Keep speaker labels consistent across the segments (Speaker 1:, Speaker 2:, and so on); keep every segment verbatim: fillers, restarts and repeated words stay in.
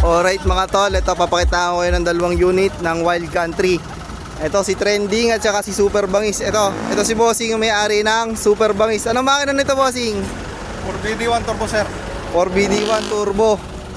Speaker 1: Alright mga tol, ito papakita ko kayo ng dalawang unit ng Wild Country. Ito si Trending at saka si Super Bangis. Ito, ito si Bossing yung may-ari ng Super Bangis. Anong makina nito, Bossing?
Speaker 2: four B D one turbo, sir.
Speaker 1: four B D one turbo.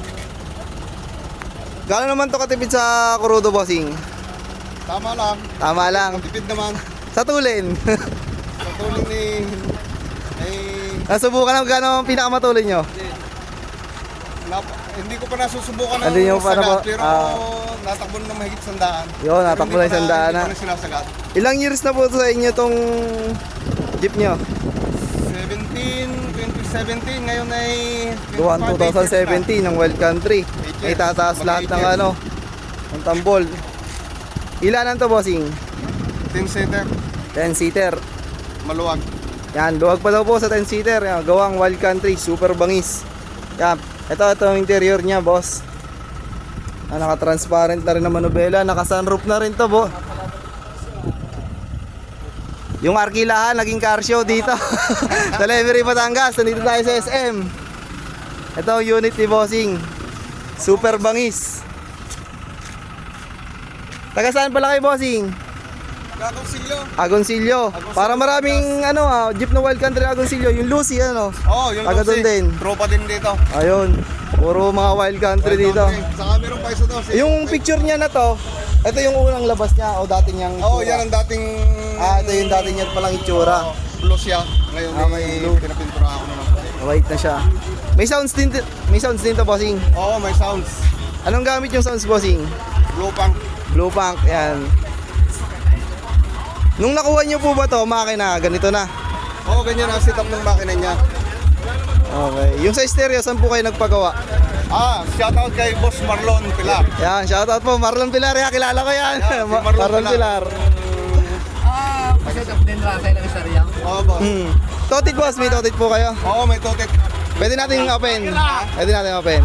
Speaker 1: Gano'n naman to katipid sa kurudo, Bossing?
Speaker 2: Tama lang.
Speaker 1: Tama lang.
Speaker 2: Matipid naman.
Speaker 1: Sa tulin.
Speaker 2: Sa tulong ni... Ay...
Speaker 1: Nasubukan na gano'n ang pinakamatulin nyo?
Speaker 2: Nap, hindi ko pa nasusubukan ng
Speaker 1: Hindi nyo pa na
Speaker 2: sagat,
Speaker 1: ba-
Speaker 2: pero
Speaker 1: ah.
Speaker 2: natakbo na mahigit sandaan.
Speaker 1: Yun, natakbo na yung sandaan na.
Speaker 2: Hindi pa na sinasagat.
Speaker 1: Ilang years na po sa inyo tong jeep nyo?
Speaker 2: seventeen, twenty seventeen, ngayon ay...
Speaker 1: Gawa twenty seventeen ng Wild Country. Ay
Speaker 2: Eight years.
Speaker 1: tataas
Speaker 2: Mag-
Speaker 1: lahat
Speaker 2: eight
Speaker 1: ng
Speaker 2: years.
Speaker 1: ano, ng tambol. Ilanan to, Bossing?
Speaker 2: ten seater,
Speaker 1: ten seater.
Speaker 2: maluwag.
Speaker 1: Yan, luwag pa daw po sa ten seater. Yan, gawang Wild Country, Super Bangis. Yan, ito, ito ang interior niya, boss. Ah, naka-transparent na rin na manubela. Naka-sunroof na rin to, bo. Yung Arkilahan, naging car show dito. Sa Levery, Batangas. Nandito tayo sa S M. Ito ang unit ni Bossing. Super Bangis. Taga saan pala kayo, Bossing?
Speaker 2: Kakonsilyo.
Speaker 1: Agoncillo. Para maraming ano ah, jeep na Wild Country Agoncillo, yung Lucy ano.
Speaker 2: Oo, oh, yung
Speaker 1: Taga doon
Speaker 2: Lucy.
Speaker 1: din.
Speaker 2: Tropa din dito.
Speaker 1: Ayun. Puro mga Wild Country
Speaker 2: Wild
Speaker 1: dito.
Speaker 2: country. Saka meron pa isa doon.
Speaker 1: Yung picture niya na to, ito yung unang labas niya o dati niyang
Speaker 2: Oo, oh,
Speaker 1: itsura?
Speaker 2: yan ang dating...
Speaker 1: Ah, ito yung dati niya palang itsura.
Speaker 2: Oo, blue siya. Ngayon
Speaker 1: Ah, may blue.
Speaker 2: pinapintura ako na lang.
Speaker 1: White na siya. May sounds din, may sounds din to, Bossing.
Speaker 2: Oo, may sounds.
Speaker 1: Anong gamit yung sounds, Bossing?
Speaker 2: Blue punk.
Speaker 1: Blue Punk, yan. Nung nakuha niyo po ba to, makina, ganito na?
Speaker 2: Oo, ganyan ang setup ng makina niya.
Speaker 1: Okay. Yung sa stereo, saan po kayo nagpagawa?
Speaker 2: Ah, shoutout kay Boss Marlon Pilar.
Speaker 1: Yan, shoutout po, Marlon Pilar, ya, kilala ko yan.
Speaker 2: Yan, si
Speaker 1: Ma-
Speaker 2: Marlon
Speaker 1: Marlon
Speaker 2: Pilar.
Speaker 1: Pilar.
Speaker 3: Ah, kasi din rasay ng isarya.
Speaker 2: Oo, boss.
Speaker 1: Hmm. Totit, boss, may totit po kayo.
Speaker 2: Oo, may totet.
Speaker 1: Pwede natin open. Pwede natin open.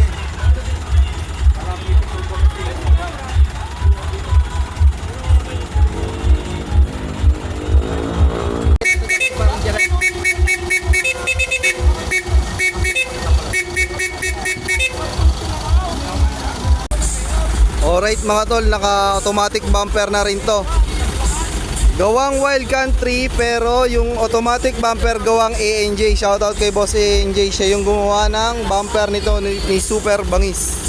Speaker 1: Alright mga tol, naka-automatic bumper na rin to. Gawang Wild Country pero yung automatic bumper gawang A N J. Shoutout kay Boss A N J, siya yung gumawa ng bumper nito ni, ni Super Bangis.